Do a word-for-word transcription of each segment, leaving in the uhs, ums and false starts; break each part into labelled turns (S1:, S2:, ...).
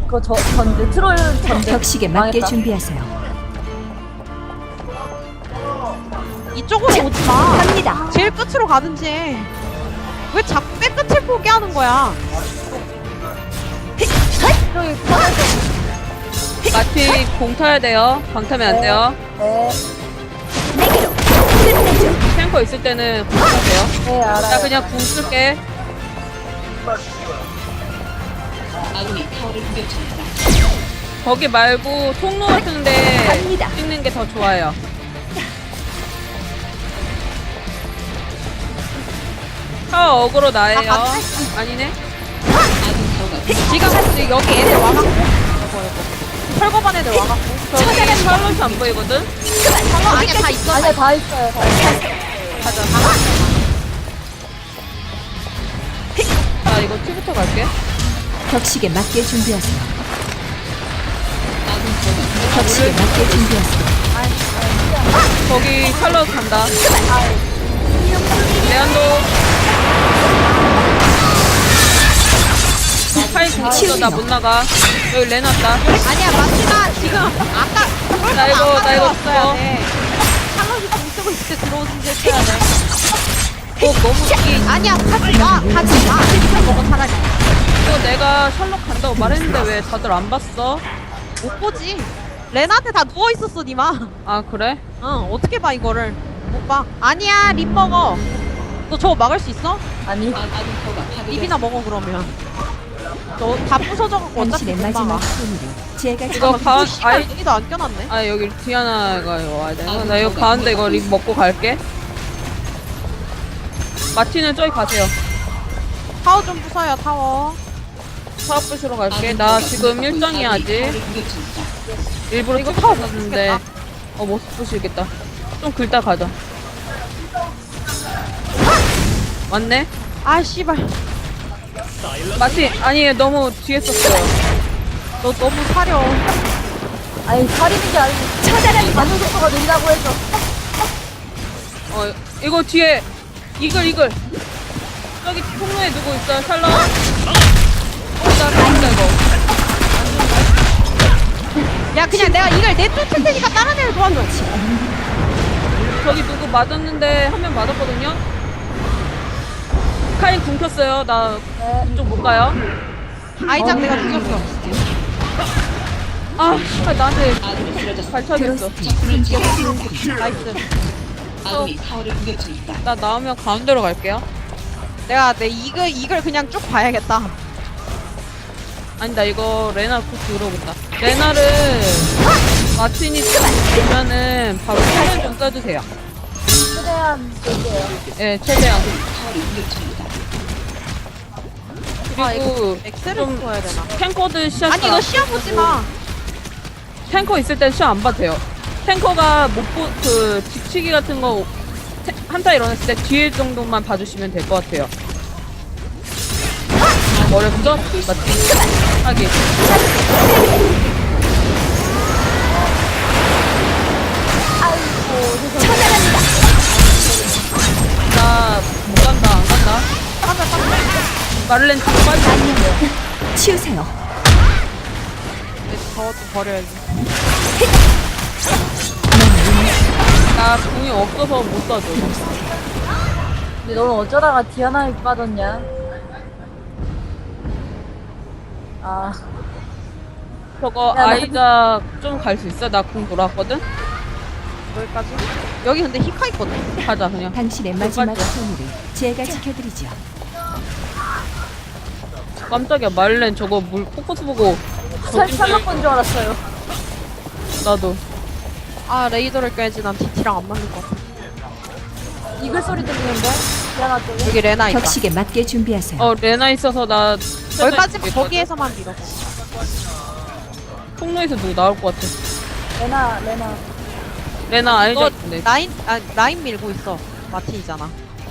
S1: 그거 저 전제 트롤 전제
S2: 격식에 맞게
S1: 망했다.
S2: 준비하세요.
S3: 이쪽으로 오지 마.
S2: 갑니다.
S3: 제일 끝으로 가든지. 왜 자꾸 맨 끝을 포기하는 거야?
S1: 저기 터널
S4: 마티 공 타야 돼요. 방 타면 안 돼요.
S1: 네,
S2: 내게로 끝내죠.
S4: 탱커 있을 때는 공 타세요.
S1: 네 알아요.
S4: 나 그냥 궁 쓸게. 거기 말고 통로 같은데
S2: 갑니다.
S4: 찍는 게 더 좋아요. 타워 어그로 나예요.
S3: 아, 맞네.
S4: 아니네.
S3: 지금 여기 애들 와갖고. 이거, 이거. 철거반 애들 와갖고.
S4: 저기 샬롯이 안 보이거든?
S3: 샬롯 아니야, 다 있어.
S1: 아니야 다 있어요. 다 있어요.
S4: 가자. 나 이거 티부터 갈게.
S2: 격식에 맞게 준비하세요. 격식에 맞게 준비하세요.
S4: 거기 샬롯 간다. 레안도. 파이 공치도 나 못 나가. 여기 레 났다.
S3: 아니야, 마지막 지금 아까
S4: 나 이거, 나 이거
S3: 왔어야
S4: 죽어.
S3: 돼. 샬롯이 공 쓰고 있을 때 들어오는 데 쳐야 돼.
S4: 어, 너무 이
S3: 아니야, 하지 마, 하지 마. 이거 먹어 차라리.
S4: 이거 내가 샬롯 간다고 말했는데 왜 다들 안 봤어?
S3: 못 보지. 레나한테 다 누워 있었어, 니마.
S4: 아 그래?
S3: 응, 어떻게 봐 이거를? 못 봐. 아니야, 립 먹어. 너 저거 막을 수 있어?
S1: 아니
S3: 립이나 먹어 그러면. 너 다 부서져갖고 어차피
S2: 당신의
S3: 못
S2: 마지막
S3: 막아.
S2: 손으로 제가
S4: 이거
S2: 지켜
S4: 가,
S3: 시간
S4: 아이,
S3: 여기도 안 껴놨네.
S4: 아 여기 디아나가 이거 와야 돼. 나 이거 가는데 이거 립 먹고 갈게. 마티는 저기 가세요.
S3: 타워 좀 부숴요, 타워.
S4: 사업 부시러 갈게. 나 지금 일정이야 아직. 일부러
S3: 이거
S4: 이거
S3: 타워
S4: 타고
S3: 못
S4: 갔는데
S3: 쓰겠다.
S4: 어 못 부시겠다. 좀 긁다 가자. 왔네?
S3: 아, 씨발.
S4: 마티 아니 너무 뒤에 썼어요.
S3: 너 너무 사려.
S1: 아니 살리는 게 아니고 차단하는 반응 속도가 느리다고 해서
S4: 어 이거 뒤에 이글 이글 저기 통로에 누구 있어요? 샬럿. 어나 간다 이거.
S3: 야, 그냥 내가 이걸 내쫓을 테니까 다른 애를 도와줘.
S4: 저기 누구 맞았는데 한 명 맞았거든요. 카인 굶겼어요. 나
S1: 네.
S4: 이쪽 못 가요.
S3: 아이작 내가 죽였어.
S4: 아, 아 나한테 발차겠어.
S3: 나이스.
S4: 나 나오면 가운데로 갈게요.
S3: 내가 내 이글 이글 그냥 쭉 봐야겠다.
S4: 아니 나 이거 레나 꼭 들어오겠다. 레나를 마틴이 보면은 바로 차를 좀 써주세요.
S1: 최대한 볼게요.
S4: 예, 최대한.
S3: 아, 이거
S4: 그리고
S3: 엑셀을
S4: 좀
S3: 풀어야 되나?
S4: 탱커들 시야
S3: 아니, 너 시야 보지 마.
S4: 탱커 있을 땐 시야 안 봐도 돼요. 탱커가 못보그 뒤치기 같은 거 태- 한타 일어났을 때 뒤에 정도만 봐주시면 될 것 같아요. 어렵죠? 맞지? 하기. 나 못 간다, 안 간다.
S3: 빠져, 빠져.
S4: 마를렌 뒤로 빠지고.
S2: 치우세요.
S3: 저것도 버려야지.
S4: 나 궁이 없어서 못 쏴줘.
S1: 근데 너는 어쩌다가 디아나에 빠졌냐? 아
S4: 저거
S1: 야, 나
S4: 아이작 좀 갈 수 있어? 나 궁 돌아왔거든?
S3: 여기까지? 여기 근데 히카 있거든?
S4: 가자, 그냥.
S2: 당신의
S4: 못
S2: 마지막
S4: 가죠.
S2: 손으로 제가 지켜드리죠.
S4: 깜짝이야, 마를렌 저거 물 포커스 보고.
S1: 살
S4: 저기
S1: 살락 본줄 알았어요.
S4: 나도.
S3: 아, 레이더를 껴야지. 난 디티랑 안 맞는 것 같아.
S1: 이글 소리 들리는데 디아나 쪽에.
S3: 여기 레나 있다.
S2: 격식에 맞게 준비하세요.
S4: 어, 레나 있어서 나.
S3: 여기까지 거기에서만 밀어.
S4: 통로에서 누구 나올 것 같아.
S1: 레나 레나.
S4: 레나
S3: 너
S4: 아이작인데.
S3: 라인, 아, 라인 밀고 있어. 마틴이잖아.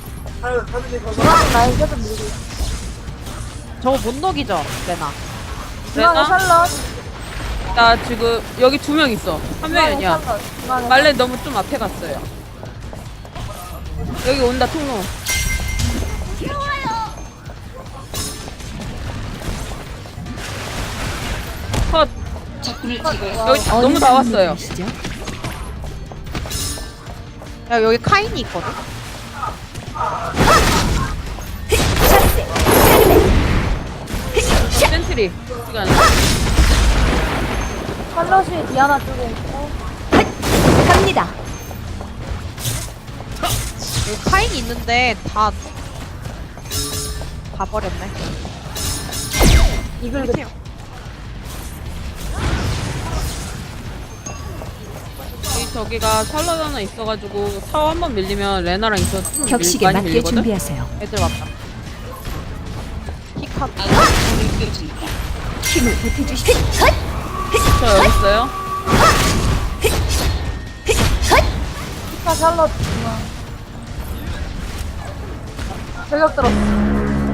S1: 중앙 라인 계속 밀고 있어.
S3: 저거 못 녹이죠, 레나.
S1: 중앙에
S4: 레나?
S1: 샬럿.
S4: 나 지금 여기 두 명 있어. 한 명이
S1: 중앙에
S4: 아니야.
S1: 샬럿. 중앙에
S4: 말렌 너무 좀 앞에 갔어요. 여기 온다, 통로. 컷. 여기
S2: 어느
S4: 너무 나왔어요.
S2: 분이시죠?
S3: 야 여기 카인이 있거든.
S4: 센트리. 시간.
S1: 샬럿이 디아나 쪽에 있고.
S2: 갑니다.
S3: 여기 카인이 있는데 다 다 버렸네.
S1: 이글
S3: 이렇게
S4: 여기 저기가 샬럿 하나 있어가지고 타워 한 번 밀리면 레나랑 있어. 좀 밀-
S2: 격식에
S4: 많이
S2: 맞게
S4: 밀리거든?
S2: 준비하세요.
S3: 애들 왔다. 킥한.
S2: 힘을 보태주십시오.
S4: 저 여기 있어요.
S1: 피카 샬럿 중앙. 저격 들었어.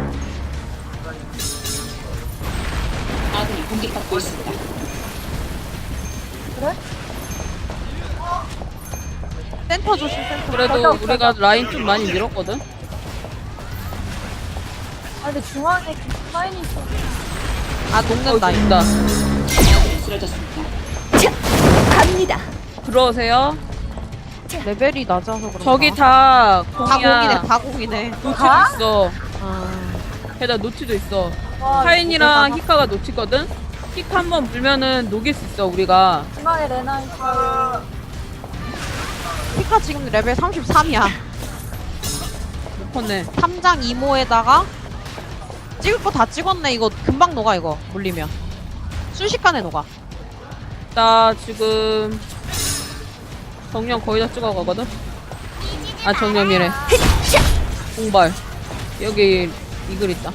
S1: 그래?
S3: 센터 조심 센터.
S4: 그래도
S1: 맞아,
S4: 우리가 라인 좀 많이 밀었거든.
S1: 아 근데 중앙에 카인이 있어.
S3: 아
S4: 어,
S3: 녹는다.
S4: 있다.
S2: 자, 갑니다.
S4: 들어오세요.
S3: 레벨이 낮아서 그런가?
S4: 저기 다
S3: 다
S4: 공이야.
S3: 공이네. 다 공이네.
S4: 노치도
S1: 다?
S4: 있어.
S3: 아.
S4: 게다가 노치도 있어.
S1: 와,
S4: 카인이랑
S1: 이거
S4: 히카가 노치거든. 히카 한 번 물면은 녹일 수 있어 우리가.
S1: 중앙에 레나 있어요.
S3: 피카 지금 레벨 삼십삼이야.
S4: 못 컸네.
S3: 삼 장 이모에다가 찍을 거 다 찍었네. 이거 금방 녹아 이거 물리면. 순식간에 녹아.
S4: 나 지금 정령 거의 다 찍어가거든. 아 정령이래. 공발. 여기 이글 있다.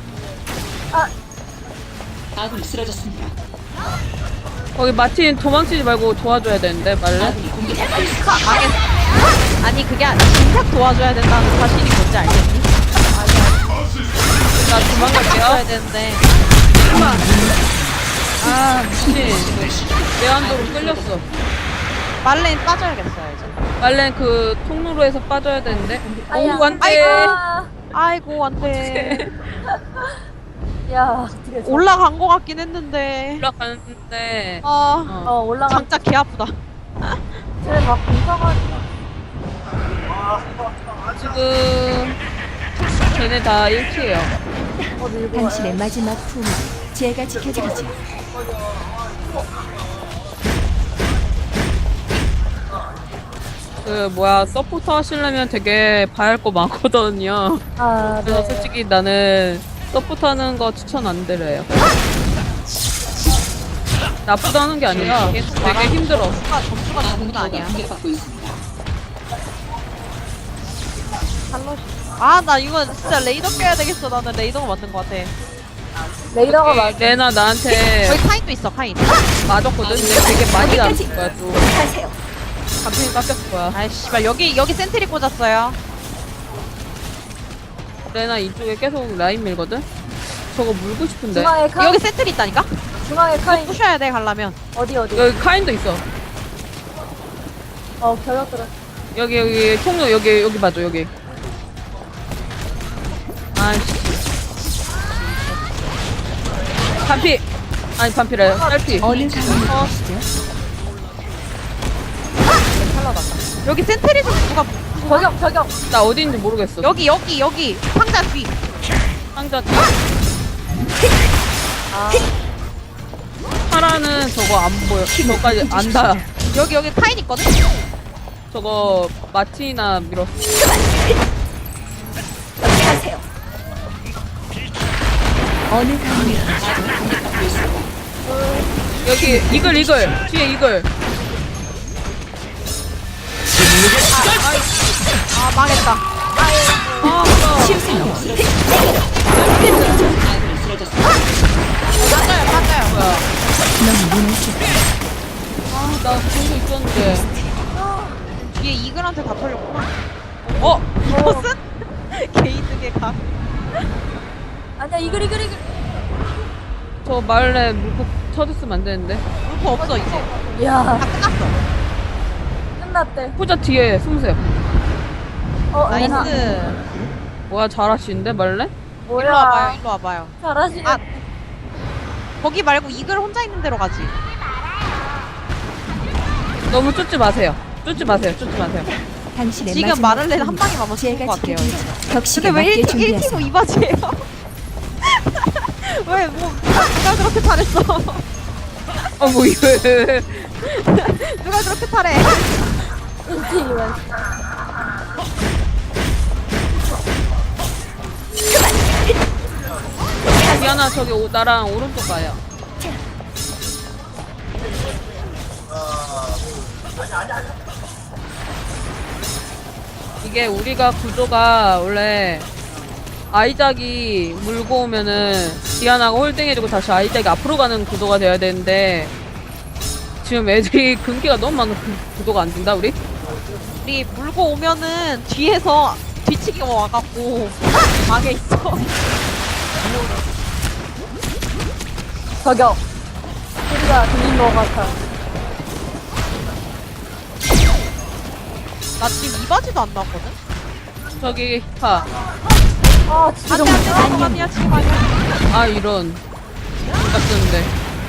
S5: 아군이 쓰러졌습니다.
S4: 거기 마틴 도망치지 말고 도와줘야 되는데 말래?
S3: 망했어. 아니 그게 아니라 진작 도와줘야 된다는 사실이 뭔지 알겠니?
S4: 나
S3: 도와줘야
S4: 도망갈게요.
S3: 되는데
S4: 아 미친. 내한도로 끌렸어.
S3: 말레인 빠져야겠어요 이제.
S4: 말렌 그 통로로에서 빠져야 되는데.
S1: 아야.
S4: 오 안돼.
S1: 아,
S3: 아이고 안돼.
S1: 야 어떻게 저-
S3: 올라간 거 같긴 했는데.
S4: 올라가는데.
S3: 아
S4: 어.
S1: 어 올라가.
S3: 장작 개 아프다.
S1: 쟤네 막 공사가지고.
S4: 지금 쟤네 다 일치예요.
S1: 어 밀고 와요.
S2: 당신의 마지막 품을 제가 지켜드리죠.
S4: 그 뭐야 서포터 하시려면 되게 봐야 할 거 많거든요.
S1: 아
S4: 그래서
S1: 네.
S4: 솔직히 나는 서포터 하는 거 추천 안 드려요. 나쁘다는 게 아니라 되게 힘들어.
S3: 점수가 점수가 전부가 아니야.
S5: 공격받고 있습니다.
S3: 아나 이거 진짜 레이더 껴야 되겠어. 나는 레이더가 맞는 거 같아.
S1: 레이더가 맞.
S4: 레나 나한테
S3: 여기 카인도 있어 카인.
S4: 맞았거든. 근데 되게 많이 나왔을 거야 또.
S2: 가세요.
S4: 감정이 깎였을 거야.
S3: 아이 씨발 여기 여기 센트리 꽂았어요.
S4: 레나 이쪽에 계속 라인 밀거든. 저거 물고 싶은데.
S1: 중앙에 카인.
S3: 여기 센트리 있다니까?
S1: 중앙에 카인.
S3: 부셔야 돼 가려면.
S1: 어디 어디.
S4: 여기 카인도 있어.
S1: 어 저격 들었어.
S4: 여기 여기 통로 여기 여기 봐줘 여기. 아이씨. 반피. 아니 반피래. 딸피.
S2: 어느 강이시죠?
S3: 여기 센트리 좀 누가
S1: 저격 저격.
S4: 나 어디 있는지 모르겠어.
S3: 여기 여기 여기 상자 뒤.
S4: 상자 뒤.
S1: 아
S4: 파라는 저거 안 보여. 저까지 안 닿아.
S3: 여기 여기 카인 있거든?
S4: 저거 마티나 밀었어.
S2: 가세요. 어느 강이시죠?
S4: 여기 이글 이글 뒤에 이글.
S3: 아 망했다.
S4: 아 뭐야.
S2: 치우세요.
S3: 맞아요 맞아요.
S4: 뭐야.
S2: 너무 무너져.
S4: 아나 공도 있었는데.
S3: 뒤에 이글한테 다 털렸구나.
S4: 어?
S3: 이것은? 게이득의 각.
S1: 아니야 이글 이글 이글.
S4: 저 말레 물고 터졌으면 안 되는데.
S3: 울프 없어 이제.
S1: 야
S3: 다 끝났어.
S1: 끝났대.
S4: 포자 뒤에 숨으세요.
S1: 어 레나.
S3: 나이스.
S4: 뭐야 잘하시는데 말레?
S3: 일로 와봐요
S1: 뭐야.
S3: 일로 와봐요.
S1: 잘하시네.
S3: 아. 거기 말고 이글 혼자 있는 데로 가지.
S4: 너무 쫓지 마세요. 쫓지 마세요. 쫓지 마세요.
S2: 당신의
S3: 지금
S2: 마지막
S3: 마를렌 한
S2: 품이다.
S3: 방에 맞으면 죽을
S2: 제가
S3: 것 같아요.
S2: 지켜드리죠. 격식에
S3: 근데 왜
S2: 맞게
S3: 일 팀
S2: 준비하세요.
S3: 후 이 바지예요? 왜, 뭐, 누가, 누가 그렇게 잘했어?
S4: 어, 뭐, 이거.
S3: 누가 그렇게 잘해?
S1: 인티면.
S4: 디아나, 저기 오, 나랑 오른쪽 가요. 이게 우리가 구조가 원래 아이작이 물고 오면은 디아나가 홀딩해주고 다시 아이작이 앞으로 가는 구도가 돼야 되는데 지금 애들이 근기가 너무 많아서 그 구도가 안 된다 우리?
S3: 우리 물고 오면은 뒤에서 뒤치기가 와갖고 막에 있어.
S1: 저격. 소리가 들린 것 같아.
S3: 나 지금 이 바지도 안 나왔거든?
S4: 저기 파.
S1: 아, 진짜
S3: 안돼 안돼 지금 아니야 지금 아니야.
S4: 아 이런 누가 쓰는데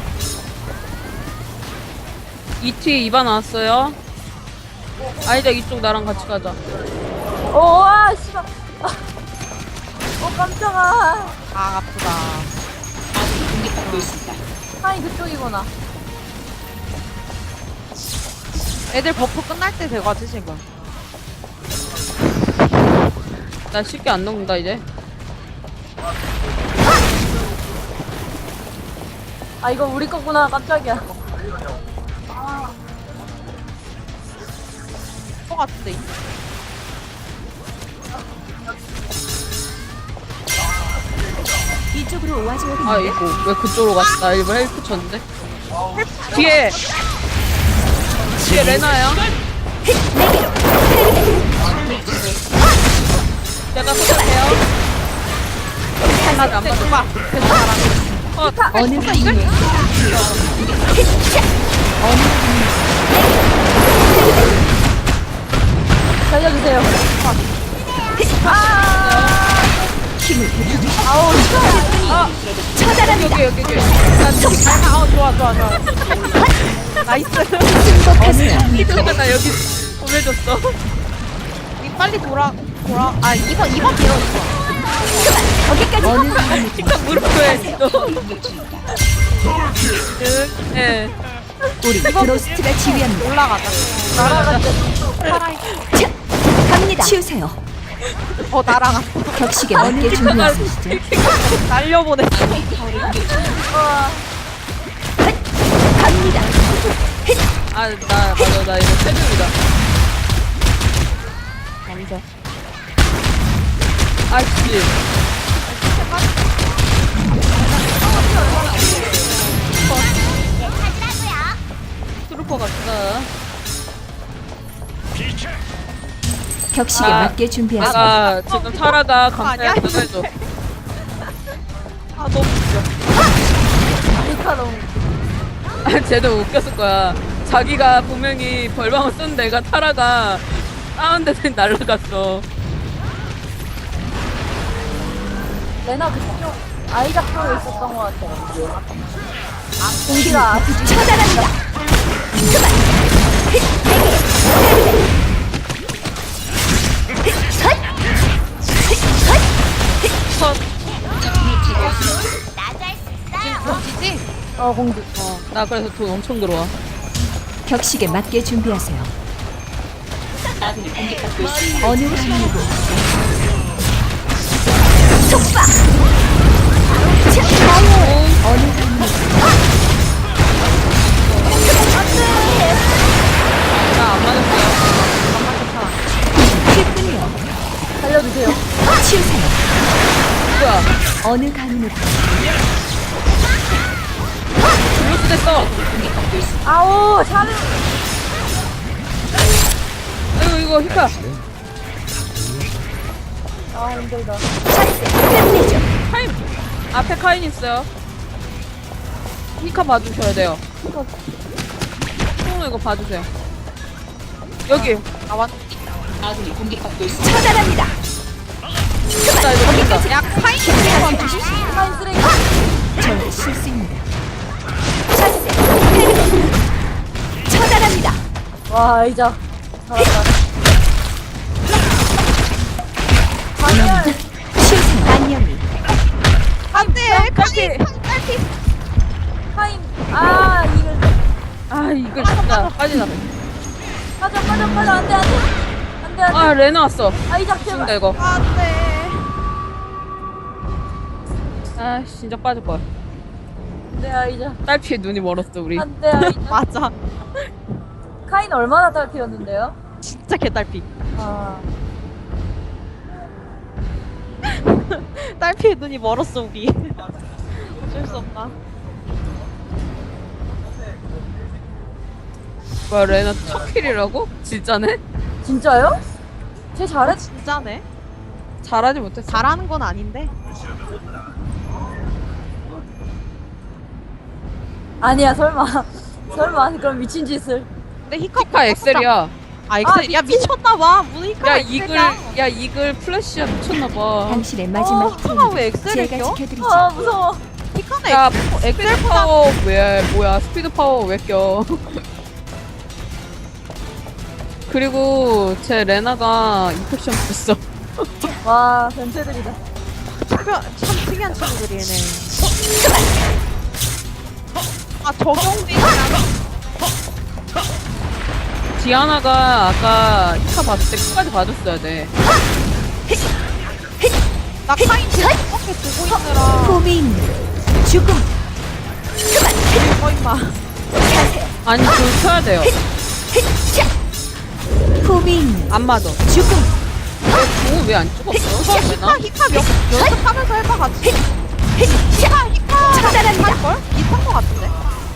S4: 이티 이바 나왔어요. 아이작 이쪽 나랑 같이 가자.
S1: 오, 아, 씨발. 아. 어, 깜짝아.
S3: 아 아프다.
S5: 아군이 공격받고 있습니다.
S1: 하이 그쪽이구나.
S3: 애들 버프 끝날 때 돼가지 지금.
S4: 나 쉽게 안 녹는다 이제.
S1: 아, 이거 우리 거구나. 깜짝이야.
S3: 것 같은데.
S2: 이쪽으로 와줘야 되는데.
S4: 아이고 왜 그쪽으로 갔어? 나 일부러 헬프 쳤는데. 뒤에 뒤에 레나야. 내가 소개해요. 하나 안 맞아.
S3: 봐. 계속 말하네.
S4: 어,
S2: 어느 강물
S1: 살려주세요.
S2: 힘을 보여주세요.
S1: 아우, 진짜.
S2: 처단합니다.
S4: 여기 여기 여기. 나 저기 잘 가. 어 좋아 좋아 좋아. 나이스.
S2: 승복하세요.
S4: 이쪽은 나 여기 보내줬어.
S3: 이 빨리 돌아 돌아. 아 이번 이번 밀어 이번.
S2: 거기까지. 어느 강물
S4: 식탁 무릎에 있어.
S5: 공격 중입니다.
S4: 예.
S2: 우리 드로스트가 지휘합니다.
S3: 올라가자.
S2: 자, 갑니다. 치우세요.
S3: 어 날아갔어.
S2: 격식에 맞게 준비하시죠.
S3: 날려보냈어.
S2: 갑니다.
S4: 아, 나, 맞아, 나 이거 체중이다. 감사. 아씨. 트루퍼 같다.
S2: 격식에
S4: 아,
S2: 맞게 준비하세요.
S4: 내가 지금 타라가
S3: 아니야?
S4: 감사해 해줘.
S3: 아 너무 웃겨.
S1: 리카 너무.
S4: 아, 쟤도 웃겼을 거야. 자기가 분명히 벌방을 쓴 내가 타라가 다운데서 날라갔어.
S1: 레나 그쪽 아이작 쪽에 있었던 것 같아. 공기가 아프지.
S2: 처단합니다.
S4: 컷.
S3: 지지?
S1: 어, 공기.
S4: 어, 나 그래서 돈 엄청 들어와.
S2: 격식에 맞게 준비하세요.
S5: 아군이 공격받고 있습니다.
S2: 어느 강물 속박. 자, 어느 강물
S4: 나 안 맞았어요.
S2: 기쁘네요.
S1: 살려주세요.
S2: 치우세요.
S4: 뭐야?
S2: 어느 강물
S4: 블루스 됐어.
S1: 아우, 잘해.
S4: 아이고 이거 히카.
S1: 아, 힘들다.
S2: 차세 끝내죠.
S4: 카인 앞에 카인 있어요. 히카 봐주셔야 돼요. 총 이거 봐주세요. 여기
S3: 나왔.
S5: 아군이 공격받고 있습니다.
S2: 처단합니다.
S4: 나 이거 보인다.
S3: 야 카인.
S1: 카인 쓰레기.
S2: 저의 실수입니다.
S1: 와 아이자 잘한다. 반열.
S2: 치유사냥. 안녕히.
S3: 안돼
S4: 딸피.
S1: 카인. 아 이걸
S4: 아 이걸 진짜 빠지다.
S1: 빠져 빠져 빠져 안돼 안돼 안돼 안돼.
S4: 아 레나 왔어.
S1: 아이자
S4: 죽는다
S1: 제발.
S4: 이거.
S3: 안돼.
S4: 아 진짜 빠질 거야.
S1: 안돼 아이자.
S4: 딸피에 눈이 멀었어 우리.
S1: 안돼 아이자.
S3: 맞아.
S1: 카인 얼마나 딸피였는데요?
S3: 진짜 개딸피.
S1: 아
S3: 딸피의 눈이 멀었어 우리. 어쩔 수 없다.
S4: 뭐야 레나 첫 킬이라고? 진짜네?
S1: 진짜요? 쟤 잘했.
S3: 진짜네.
S4: 잘하지 못했어.
S3: 잘하는 건 아닌데.
S1: 아니야 설마 설마 그럼 미친 짓을.
S3: 근데 히카
S4: 히카 엑셀이야.
S3: 아 엑셀.
S1: 아,
S3: 야 미쳤나봐. 무슨 히카
S4: 야
S3: 엑셀이야.
S4: 이글 야 이글 플래시야 미쳤나봐.
S2: 당신의 마지막
S1: 어,
S3: 히카가 왜 엑셀을
S2: 제가
S3: 껴?
S2: 지켜드리죠.
S1: 아 무서워.
S3: 히카는
S4: 야
S3: 엑셀
S4: 스피드 파워 왜 뭐야 스피드 파워 왜 껴? 그리고 제 레나가 인펙션 됐어.
S1: 와 변태들이다.
S3: 특별, 참 특이한 친구들이네. 아 적용되냐?
S4: 디아나가 아까 히카 봤을 때 끝까지 봐줬어야 돼.
S3: 나 카인 지금 어깨 두고 있느라.
S2: 고민. 죽음.
S3: 어 임마.
S4: 아니 그거 켜야 돼요.
S2: 고민.
S4: 안 맞아.
S2: 죽음.
S4: 그거 왜 안
S3: 저
S4: 찍었어?
S3: 히카
S4: 레나?
S3: 히카 몇 연습하면서 해봐 같이. 히카 히카
S2: 차단합니다.
S3: 할걸? 비슷한 거 같은데.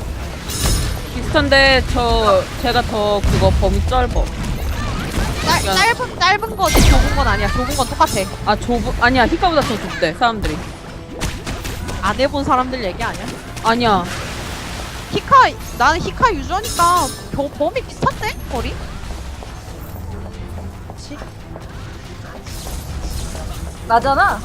S4: 비슷한데 저 제가 더 그거 범위 짧어.
S3: 짧 짧은 짧은 거지 좁은 건 아니야. 좁은 건 똑같아.
S4: 아 좁 아니야 히카보다 더 좁대 사람들이.
S3: 안 해본 사람들 얘기 아니야?
S4: 아니야.
S3: 히카 나는 히카 유저니까 겨, 범위 비슷한데 거리? 그치?
S1: 나잖아.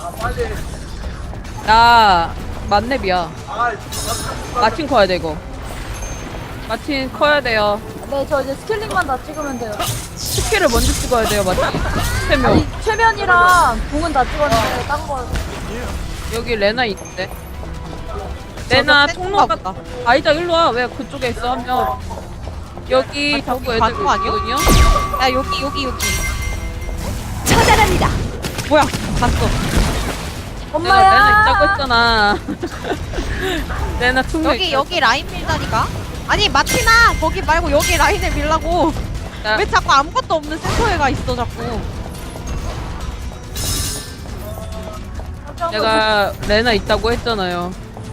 S4: 나 만렙이야. 마틴 커야 돼 이거. 마틴 커야 돼요.
S1: 네 저 이제 스킬링만 다 찍으면 돼요.
S4: 스킬을 먼저 찍어야 돼요 마틴. 세 명.
S1: 아니 최면이랑 궁은 다 찍었는데 딴 거.
S4: 여기 레나 있는데. 레나
S3: 저거
S4: 통로
S3: 센가
S4: 갔다. 아이자 일로 와. 왜 그쪽에 있어 한 명. 여기
S3: 아니,
S4: 자꾸
S3: 저기
S4: 애들
S3: 가는 거 아니야?
S4: 있거든요.
S3: 야 여기 여기 여기.
S2: 처단합니다.
S3: 뭐야? 봤어.
S1: 엄마야.
S4: 내가 레나 있다고 했잖아. 레나 통로
S3: 여기
S4: 있어.
S3: 여기 라인 밀다니까. 아니 마티나 거기 말고 여기 라인을 밀라고.
S4: 야,
S3: 왜 자꾸 아무것도 없는 센터에 가 있어 자꾸.
S4: 내가 레나 있다고 했잖아요.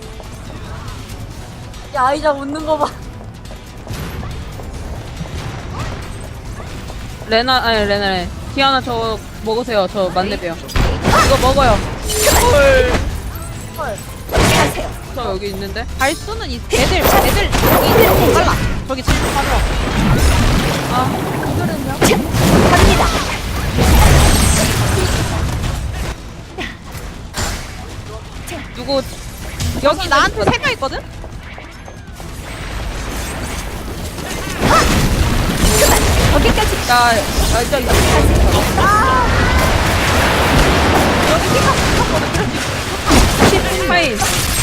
S1: 야 아이자 웃는 거 봐.
S4: 레나 아니 레나래. 디아나 저 먹으세요. 저 만렙이요. 이거 먹어요. 헐.
S1: 헐.
S2: 가세요.
S4: 저 여기 있는데.
S3: 발수는 이 애들 애들 저기 빨라. 저기 지금 빠져.
S2: 갑니다.
S4: 누구
S3: 여기 나한테 세 명 있거든.
S2: 거기까지.
S4: 나 알짜 있어. 하인.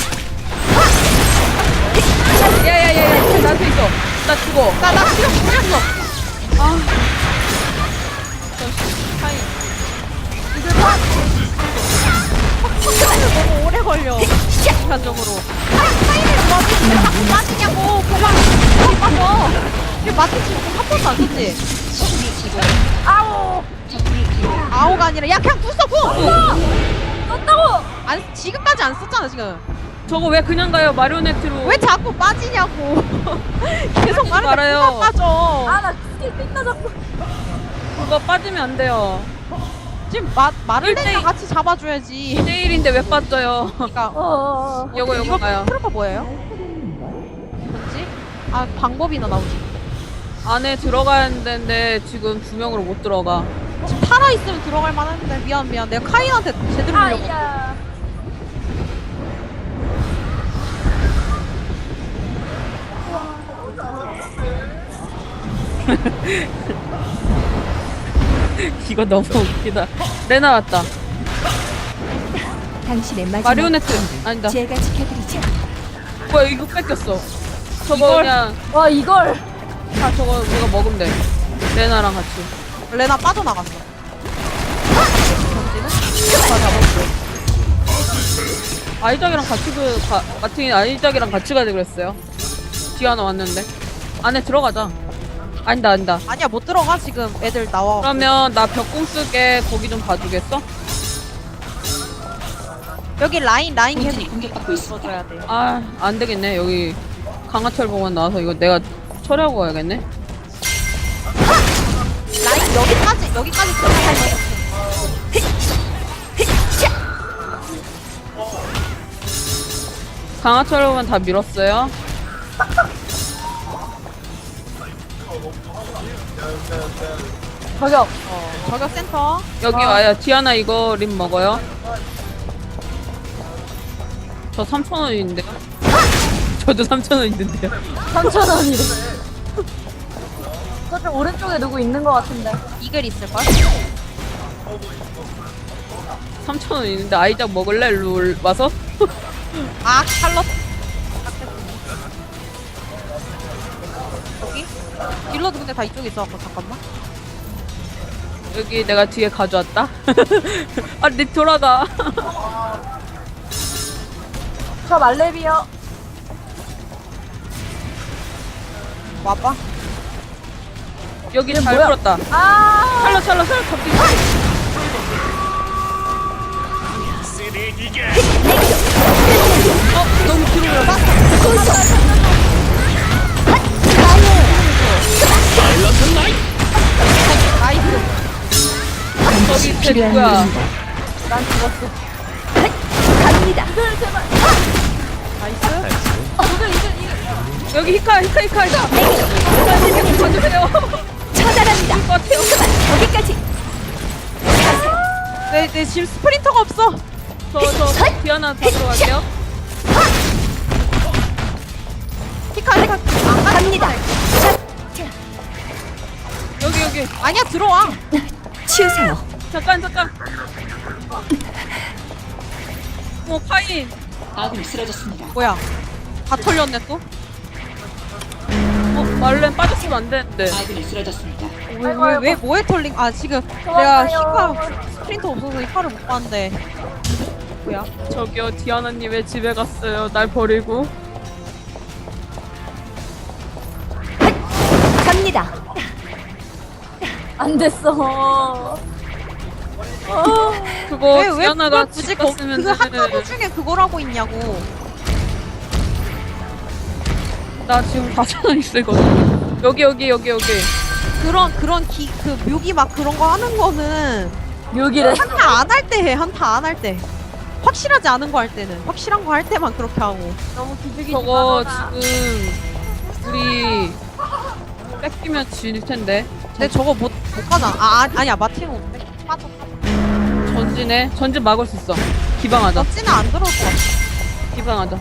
S4: 야야야야, 나한테 있어. 나 죽어.
S3: 나나 지금 죽였어.
S4: 아,
S3: 너무 오래 걸려. 인간적으로. 타임을 좋아하는데 왜 자꾸 빠지냐고. 그만. 그만 빠져. 이게 마트 지금 한 번도 안 썼지? 아오. 아오가 아니라 야 그냥 구 써 구.
S1: 썼다고.
S3: 안 지금까지 안 썼잖아 지금.
S4: 저거 왜 그냥 가요? 마리오네트로.
S3: 왜 자꾸 빠지냐고. 계속 말하는데
S4: 말아요.
S3: 누가 빠져.
S1: 아나 스킬 뺐나 자꾸.
S4: 그거 빠지면 안 돼요.
S3: 지금 마, 말을
S4: 일대일.
S3: 내가 같이 잡아줘야지.
S4: 내일인데 왜 빠져요?
S3: 그러니까
S1: 어어어.
S4: 요거 요거 가요.
S3: 트루가 뭐예요? 뭐지? 아 방법이나 나오지.
S4: 안에 들어가야 되는데 지금 두 명으로 못 들어가.
S3: 지금 타라 있으면 들어갈 만한데 미안 미안. 내가 카인한테 제대로 밀려고.
S1: 아이야.
S4: 이거 너무 웃기다. 레나 왔다.
S2: 당신의 마지막
S4: 마리오네트 아니다.
S2: 제가 지켜드리죠.
S4: 뭐야 이거 뺏겼어. 저거
S3: 이걸?
S4: 그냥
S1: 와 이걸
S4: 아 저거 우리가 먹으면 돼. 레나랑 같이.
S3: 레나 빠져나갔어.
S4: 아이작이랑 같이 그 가, 마틴이 아이작이랑 같이 가자 그랬어요. 디아나 왔는데 안에 들어가자. 아니다 아니다.
S3: 아니야 못 들어가 지금 애들 나와.
S4: 그러면 나 벽공 쓰게 거기 좀 봐주겠어?
S3: 여기 라인 라인 계속
S5: 본진이 공격받고 있습니다.
S3: 들어줘야 돼.
S4: 아 안 되겠네. 여기 강화철 보관 나와서 이거 내가 처리하고 가야겠네.
S3: 라인 여기까지 여기까지 들어가야 돼.
S4: 강화철 보관 다 밀었어요.
S1: 저격.
S3: 어, 저격 센터.
S4: 여기 와요. 디아나 이거 립 먹어요. 저 삼천 원인데요. 저도 삼천 원 있는데요.
S1: 삼천 원이래. 저쪽 오른쪽에 누구 있는 것 같은데.
S3: 이글 있을 걸?
S4: 삼천 원 있는데 아이작 먹을래? 룰 와서?
S3: 아 샬럿. 여기? 딜러도 근데 다 이쪽에 있어갖고 잠깐만.
S4: 여기 내가 뒤에 가져왔다. 아, 립 돌아가.
S1: 저 말레비요.
S3: 와봐.
S4: 여기 잘
S1: 뭐야?
S4: 풀었다.
S1: 아.
S4: 찰러 찰러 찰러 잡기. 어 너무 뒤로 올라가.
S3: 나이스.
S4: 저기 쟤 누구야?
S1: 난 죽었어.
S2: 갑니다.
S3: 나이스.
S1: 이거 이거 이거.
S4: 여기 히카 히카 히카 히카. 히카 봐주세요.
S2: 처단합니다.
S4: 것 같아요.
S2: 거기까지.
S3: 내, 내 지금 스프린터가 없어.
S4: 저저 디아나 잡으러 갈게요.
S3: 히카 히카. 안 가.
S2: 갑니다.
S4: 여기 여기.
S3: 아니야 들어와.
S2: 치우세요.
S4: 잠깐 잠깐. 어 파인.
S5: 아군이 쓰러졌습니다.
S3: 뭐야? 다 털렸네 또?
S4: 어 말렌 빠졌으면 안 되는데.
S5: 아군이 쓰러졌습니다.
S3: 왜 왜 왜 뭐에 털린? 아 지금 내가 히카 스프린터 없어서 히카를 못 봤는데. 뭐야?
S4: 저기요 디아나님 왜 집에 갔어요? 날 버리고.
S2: 갑니다.
S1: 안 됐어. 어.
S4: 그거
S3: 왜 왜
S4: 디아나가
S3: 그걸 굳이
S4: 집
S3: 거,
S4: 갔으면
S3: 그 한가구 중에 그걸 하고 있냐고.
S4: 나 지금 사천 원 있을거든. 여기 여기 여기 여기.
S3: 그런 그런 기 그 묘기 막 그런 거 하는 거는
S1: 묘기래.
S3: 한타 안 할 때 해. 한타 안 할 때. 확실하지 않은 거 할 때는 확실한 거 할 때만 그렇게 하고.
S1: 너무 기죽이지
S4: 저거
S1: 마라.
S4: 지금 우리 뺏기면 질 텐데.
S3: 근데 저거 못 못 가잖아. 아, 아 아니야 마틴 못 돼. 빠져.
S4: 전진해. 전진 막을 수 있어. 기방하자.
S3: 어찌는 안 들어올 것 같아.
S4: 기방하자.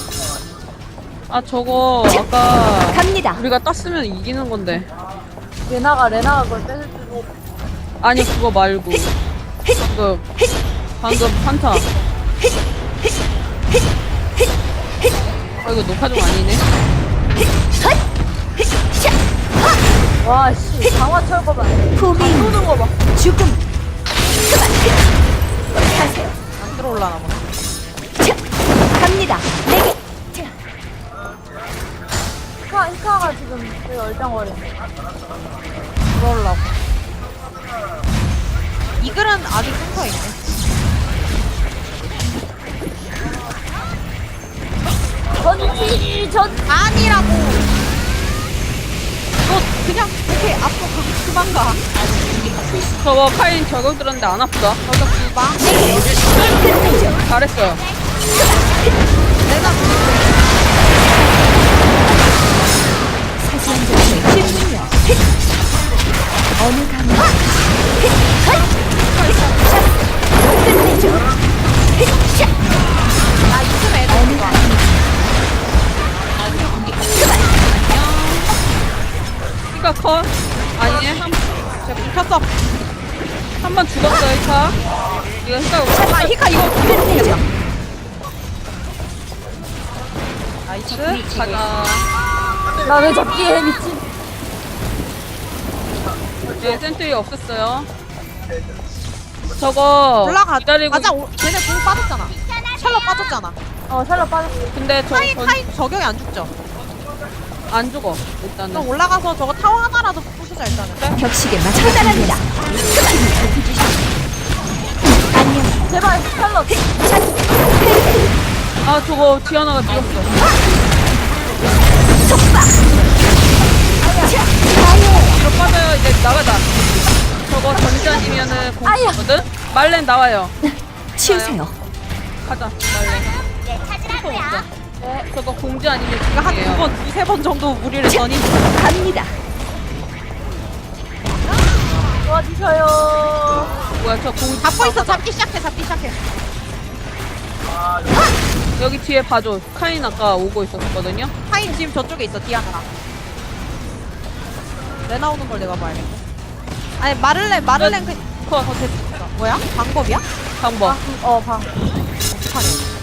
S4: 아 저거 아까
S2: 갑니다.
S4: 우리가 땄으면 이기는 건데.
S1: 레나가 레나가 그걸 뺏을 줄고.
S4: 아니 그거 말고 방금 방금 판타. 아 이거 녹화 좀 아니네.
S1: 와 씨. 강화 철거 봐.
S2: 후민
S1: 쏘는 거 봐.
S2: 죽음. 하세요.
S3: 안 들어올라나 봐.
S2: 자, 갑니다. 내게. 자,
S1: 히카 히카가 지금 되게 얼짱거리네.
S3: 들어올라고. 이글은 아직 센터 있네.
S1: 전지 전.
S3: 아니라고. 너 그냥 오케이 앞으로 그, 그만 가.
S4: 저거 카인 저격 들었는데 안 아프다.
S3: 저격 두방.
S4: 잘했어요.
S3: 내가
S2: 사소한 점의 힘을요. 어느 강물. 끝내죠.
S3: 나 이쯤 애들 좋아.
S4: 그니까 컷. 컷. 아니네.
S3: 제가 궁 켰어.
S4: 한 번 죽었어, 히카. 이거 히카
S3: 아 히카 이거 궁겠다. 나이스.
S4: 가자.
S1: 나 왜 잡기에 미친.
S4: 네, 센트리 없었어요. 저거
S3: 올라가.
S4: 기다리고.
S3: 맞아. 오, 쟤네 궁 빠졌잖아. 샬럿 빠졌잖아.
S1: 어 샬럿 빠졌어.
S4: 근데 저
S3: 카인
S4: 전-
S3: 카인 저격이 안 죽죠.
S4: 안 죽어. 일단은.
S3: 그럼 올라가서 저거 타워 하나라도 부수자 일단은.
S2: 격식에 맞 처단합니다. 안녕.
S1: 제발 샬럿.
S4: 아 저거 디아나가 뛰었어. 뒤로 빠져요. 이제 나가자. 저거 전지 아니면은 공거든. 말렌 나와요.
S2: 치우세요.
S4: 가자. 말렌. 스포 먹자. 저거 공지 아니면
S3: 그러니까 한 두
S4: 공이에요.
S3: 번, 두세 번 정도 무리를 했더니
S2: 갑니다.
S1: 도와주셔요.
S4: 뭐야 저 공지
S3: 잡고 있어. 잡기 시작해. 잡기 시작해.
S4: 여기 뒤에 봐줘. 카인 아까 오고 있었거든요.
S3: 카인 지금 저쪽에 있어. 디아나랑. 레나 오는 걸 내가 봐야겠네. 아니 마를렌 마를렌 그
S4: 컷.
S3: 어, 됐어. 뭐야? 방법이야?
S4: 방법.
S1: 어 방.
S3: 어떡하네.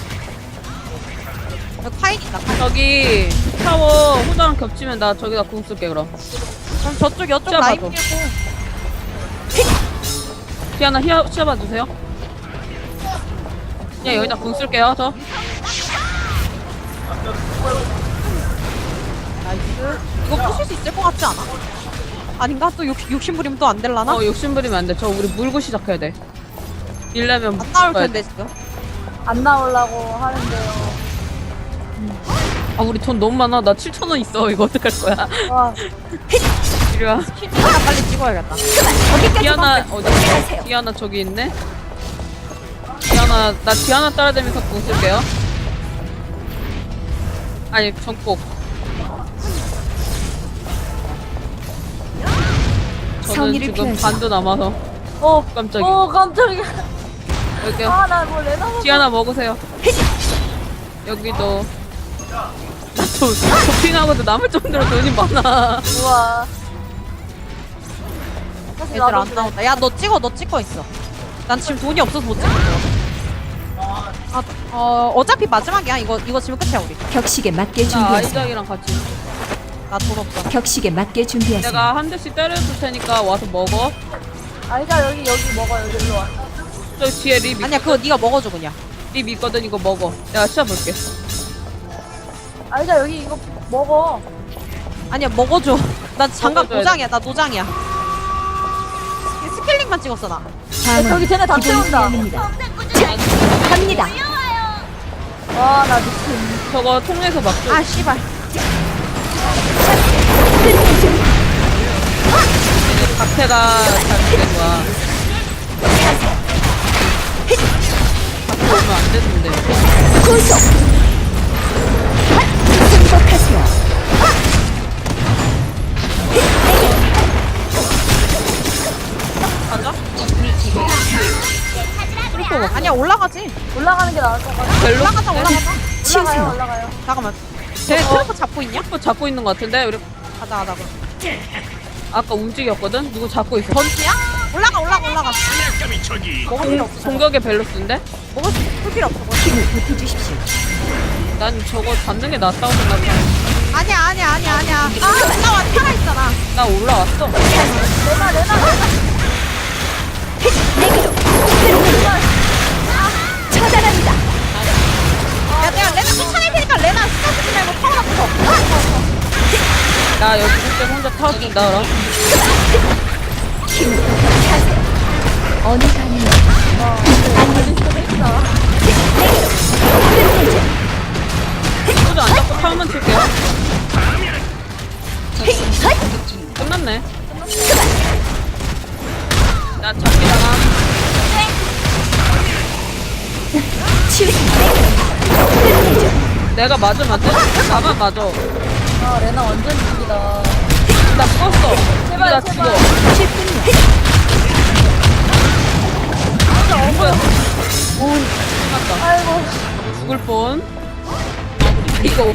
S3: 여기 카인 있다. 카인.
S4: 저기 타워 호자랑 겹치면 나 저기다 궁 쓸게 그럼.
S3: 그럼 저쪽 여쪽
S4: 시야
S3: 라인
S4: 봐줘.
S3: 밀고.
S4: 디아나 히아 시야봐 주세요. 그냥 여기다 궁 쓸게요 저.
S3: 나이스. 이거 부술 수 있을 것 같지 않아? 아닌가? 또 욕, 욕심 부리면 또 안 될라나?
S4: 어 욕심 부리면 안 돼. 저 우리 물고 시작해야 돼. 일려면
S3: 안 나올 텐데 지금.
S1: 안 나오려고 하는데요.
S4: 아 우리 돈 너무 많아. 나 칠천 원 있어. 이거 어떡할 거야?
S1: 와.
S4: 이리 와.
S3: 퀴즈나 빨리 찍어야겠다.
S4: 디아나 어디 있어? 디아나 저기 있네. 디아나 나 디아나 따라다니면서 궁 쓸게요. 아니 전꼭. 저는
S2: 성의를
S4: 지금
S2: 표하지.
S4: 반도 남아서.
S1: 어
S4: 깜짝이야.
S1: 어 깜짝이야.
S4: 여기요.
S1: 아나뭐 레나 먹.
S4: 디아나 먹으세요. 여기도. 나도 쇼핑하고도 남을 정도로 돈이 많아.
S1: 우와. 사실
S3: 얘들
S1: 나도
S3: 안 나온다. 야 너 찍어. 너 찍고 있어. 난 지금 돈이 없어서 못 찍어. 아, 어 어차피 마지막이야. 이거 이거 지금 끝이야 우리.
S2: 격식에 맞게
S4: 나
S2: 준비하세요.
S4: 아이작이랑 같이.
S3: 나 돈 없어.
S2: 격식에 맞게 준비하세요.
S4: 내가 한 대씩 때려줄 테니까 와서 먹어.
S1: 아이자 여기 여기 먹어 여기 일로 와.
S4: 저 뒤에 립,
S3: 아니야 그거 네가 먹어줘 그냥.
S4: 립 있거든. 이거 먹어. 내가 시작볼게.
S1: 아이자 여기 이거 먹어.
S3: 아니야 먹어줘. 나 장갑
S4: 먹어줘야
S3: 노장이야. 나 노장이야. 스킬링만 찍었어 나.
S1: 야, 저기 쟤네 다
S2: 기본
S1: 태운다.
S2: 수련입니다. 자, 갑니다.
S1: 와나 미친.
S4: 저거 통해서 막줘.
S3: 아 씨발.
S4: 박태가 잘못된 거야. 박태 오면 안 되는데.
S2: 구속. 행복하세요.
S4: 가자.
S3: 아니야 올라가지.
S1: 올라가는 게 나을 것 같아.
S4: 벨로?
S3: 올라가자 올라가자.
S1: 올라가요
S2: 치우세요.
S1: 올라가요.
S3: 잠깐만. 쟤네
S4: 어.
S3: 트래프 잡고 있냐?
S4: 또 잡고 있는 거 같은데? 우리
S3: 가자 가자. 그럼.
S4: 아까 움직였거든? 누구 잡고 있어?
S3: 번지야? 올라가 올라가 올라가. 먹을 필요
S4: 공,
S3: 없어.
S4: 공격의 밸런스인데?
S3: 먹을 수- 풀 필요 없어. 먹을
S2: 힘을 보태주십시오.
S4: 난 저거 잡는 게 낫다고 생각해.
S3: 아니야 아니야 아니야 아니야. 아 올라와 살아 있잖아.
S4: 나 올라왔어.
S1: 레나 레나 레나.
S2: 내기로. 처단합니다.
S3: 야 내가 레나 쫓아낼 테니까 레나 스타 쓰지 말고 타워나 부숴.
S4: 나 여기 그때 혼자 타워준다, 그럼.
S2: 힘을 보태주세요. 어느 가는
S4: 소주 안 잡고 타워만 칠게요. 끝났네. 나 잡기 당함.
S2: 치우세요.
S4: 내가 맞으면 안 돼? 나만 맞아.
S1: 아 레나 완전 죽이다.
S4: 나 죽었어.
S1: 제발,
S4: 나
S1: 제발.
S4: 죽어.
S2: 십분요.
S4: 오, 끝났다.
S1: 아이고.
S4: 죽을 뻔. 이거